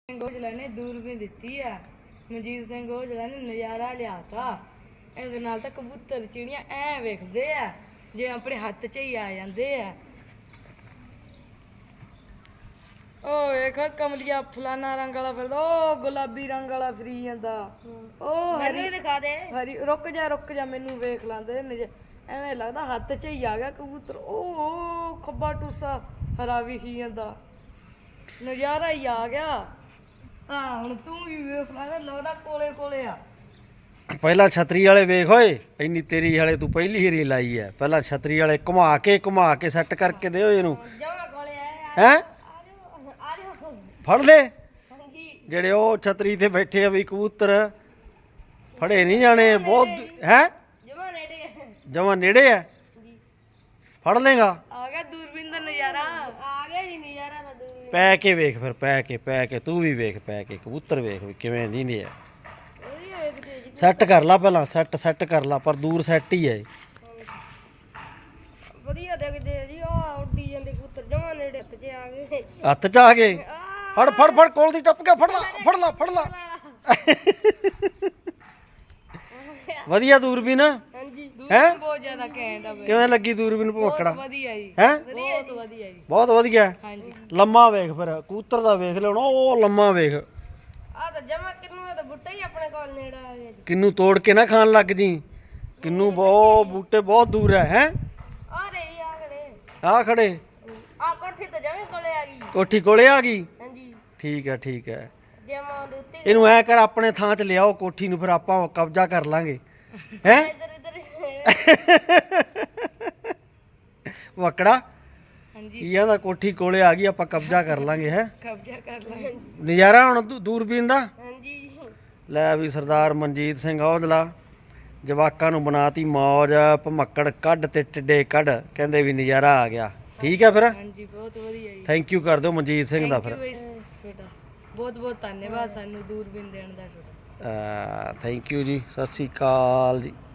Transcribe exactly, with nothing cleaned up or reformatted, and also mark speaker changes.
Speaker 1: ਸਿੰਘ ਔਜਲਾ ਨੇ ਦੂਰਬੀਨ ਦਿੱਤੀ ਆ। ਮਨਜੀਤ ਸਿੰਘ ਔਜਲਾ ਨੇ ਨਜ਼ਾਰਾ ਲਿਆਤਾ। ਇਹਦੇ ਨਾਲ ਤਾਂ ਕਬੂਤਰ ਚਿੜੀਆਂ ਐ ਵੇਖਦੇ ਆ ਜੇ ਆਪਣੇ ਹੱਥ 'ਚ ਹੀ ਆ ਜਾਂਦੇ ਆ। ਉਹ ਵੇਖ ਕਮਲੀਆ ਫਲਾਨਾ ਰੰਗ ਵਾਲਾ ਫਿਰਦਾ, ਉਹ ਗੁਲਾਬੀ ਰੰਗ ਵਾਲਾ ਫਿਰੀ ਜਾਂਦਾ। ਉਹ ਹਰੀ ਦਿਖਾ ਦੇ, ਹਰੀ ਰੁਕ ਜਾ ਰੁਕ ਜਾ ਮੈਨੂੰ ਵੇਖ ਲਾਂਦੇ। ਐਵੇਂ ਲੱਗਦਾ ਹੱਥ 'ਚ ਹੀ ਆ ਗਿਆ ਕਬੂਤਰ। ਉਹ ਖੱਬਾ ਟੂਸਾ ਹਰਾ ਵਿਖੀ ਜਾਂਦਾ, ਨਜ਼ਾਰਾ ਹੀ ਆ ਗਿਆ। ਹਾਂ ਹੁਣ ਤੂੰ ਵੀ ਵੇਖ ਲਾ, ਲੋੜਾ ਕੋਲੇ ਕੋਲੇ ਆ।
Speaker 2: ਪਹਿਲਾਂ ਛਤਰੀ ਵਾਲੇ ਵੇਖ ਓਏ, ਇੰਨੀ ਤੇਰੀ ਵਾਲੇ ਤੂੰ ਪਹਿਲੀ ਹੀਰੀ ਲਾਈ ਐ। ਪਹਿਲਾਂ ਛਤਰੀ ਵਾਲੇ ਘੁਮਾ ਕੇ ਘੁਮਾ ਕੇ ਸੈੱਟ ਕਰਕੇ ਦਿਓ ਇਹਨੂੰ। ਹੈਂ ਫੜ ਲੈ ਜਿਹੜੇ ਉਹ ਛਤਰੀ ਤੇ ਬੈਠੇ ਆ ਵੀ ਕਬੂਤਰ ਫੜੇ ਨਹੀਂ ਜਾਣੇ ਬਹੁਤ ਹੈ। ਜਮਾ ਨੇੜੇ ਆ, ਫੜ ਲੇਗਾ। ਆ ਗਿਆ ਦੂਰਬੀਨ ਦਾ ਨਜ਼ਾਰਾ, ਆ ਗਿਆ ਜੀ ਨਜ਼ਾਰਾ ਦਾ ਦੂਰਬੀਨ। ਪੈ ਕੇ ਵੇਖ ਫਿਰ, ਪੈ ਕੇ ਪੈ ਕੇ ਤੂੰ ਵੀ ਵੇਖ, ਪੈ ਕੇ ਕਬੂਤਰ ਵੇਖ ਵੀ ਕਿਵੇਂ ਦਿੰਦੇ ਆ। ਸੈੱਟ ਕਰ ਲਾ ਪਹਿਲਾਂ, ਸੈੱਟ ਸੈੱਟ ਕਰ ਲਾ, ਪਰ ਦੂਰ ਸੈੱਟ ਹੀ ਹੈ। ਵਧੀਆ ਦੇਖਦੇ ਆ ਜੀ, ਆ ਉੱਡੀ ਜਾਂਦੇ ਕਬੂਤਰ ਜਮਾ ਨੇੜੇ ਹੱਥ 'ਚ ਆ ਗਏ। ਹੱਥ 'ਚ ਆ ਗਏ, ਫੜ ਫੜ ਫੜ ਕੋਲ ਦੀ ਟੱਪ ਗਿਆ, ਫੜ ਲਾ ਫੜ ਲਾ ਫੜ ਲਾ। ਵਧੀਆ ਦੂਰਬੀਨ ਹੈ, ਬਹੁਤ ਜ਼ਿਆਦਾ ਘੈਂਟ ਆ। ਕਿਵੇਂ ਲੱਗੀ ਦੂਰਬੀਨ ਭਵੱਕੜਾ? ਵਧੀਆ ਜੀ, ਹੈ ਬਹੁਤ ਵਧੀਆ ਜੀ, ਬਹੁਤ ਵਧੀਆ। ਹਾਂਜੀ ਲੰਮਾ ਵੇਖ ਫਿਰ, ਕਬੂਤਰ ਦਾ ਵੇਖ ਲੈਣਾ, ਉਹ ਲੰਮਾ ਵੇਖ। ਆ ਤਾਂ ਜਮਾ ਕਿੰਨੂ ਦਾ ਬੂਟਾ ਹੀ ਆਪਣੇ ਕੋਲ ਨੇੜੇ ਆ ਗਿਆ ਜੀ। ਕਿੰਨੂ ਤੋੜ ਕੇ ਨਾ ਖਾਣ ਲੱਗ ਜੀ, ਕਿੰਨੂ ਬਹੁਤ ਬੂਟੇ ਬਹੁਤ ਦੂਰ ਹੈ। ਹੈ ਆ ਰੇ ਆ ਖੜੇ, ਆ ਖੜੇ ਆ ਕੋਠੀ ਤੇ ਜਮੇ ਕੋਲੇ ਆ ਗਈ, ਕੋਠੀ ਕੋਲੇ ਆ ਗਈ। ਹਾਂਜੀ ਠੀਕ ਹੈ ਠੀਕ ਹੈ। ਜਮਾ ਦੇ ਉੱਤੇ ਇਹਨੂੰ ਐ ਕਰ ਆਪਣੇ ਥਾਂ 'ਚ ਲਿਆਓ ਕੋਠੀ ਨੂੰ, ਫਿਰ ਆਪਾਂ ਕਬਜ਼ਾ ਕਰ ਲਾਂਗੇ। ਹੈ ਵਕੜਾ ਹਾਂਜੀ ਕੀ ਆਂਦਾ, ਕੋਠੀ ਕੋਲੇ ਆ ਗਈ, ਆਪਾਂ ਕਬਜ਼ਾ ਕਰ ਲਾਂਗੇ। ਹੈ ਕਬਜ਼ਾ ਕਰ ਲਾਂਗੇ। ਨਜ਼ਾਰਾ ਹੁਣ ਦੂਰਬੀਨ ਦਾ। ਹਾਂਜੀ ਲੈ ਵੀ ਸਰਦਾਰ ਮਨਜੀਤ ਸਿੰਘ ਔਜਲਾ ਜਵਾਕਾਂ ਨੂੰ ਬਣਾਤੀ ਮੌਜ, ਭਮੱਕੜ ਕੱਢ ਤੇ ਟਿੱਡੇ ਕੱਢ, ਕਹਿੰਦੇ ਵੀ ਨਜ਼ਾਰਾ ਆ ਗਿਆ। ਠੀਕ ਹੈ ਫਿਰ, ਹਾਂਜੀ ਬਹੁਤ ਵਧੀਆ ਜੀ। ਥੈਂਕ ਯੂ ਕਰ ਦਿਓ ਮਨਜੀਤ ਸਿੰਘ ਦਾ। ਫਿਰ ਬਹੁਤ ਬਹੁਤ ਧੰਨਵਾਦ ਸਾਨੂੰ ਦੂਰਬੀਨ ਦੇਣ ਦਾ। ਥੈਂਕ ਯੂ ਜੀ, ਸਤਿ ਸ਼੍ਰੀ ਅਕਾਲ ਜੀ।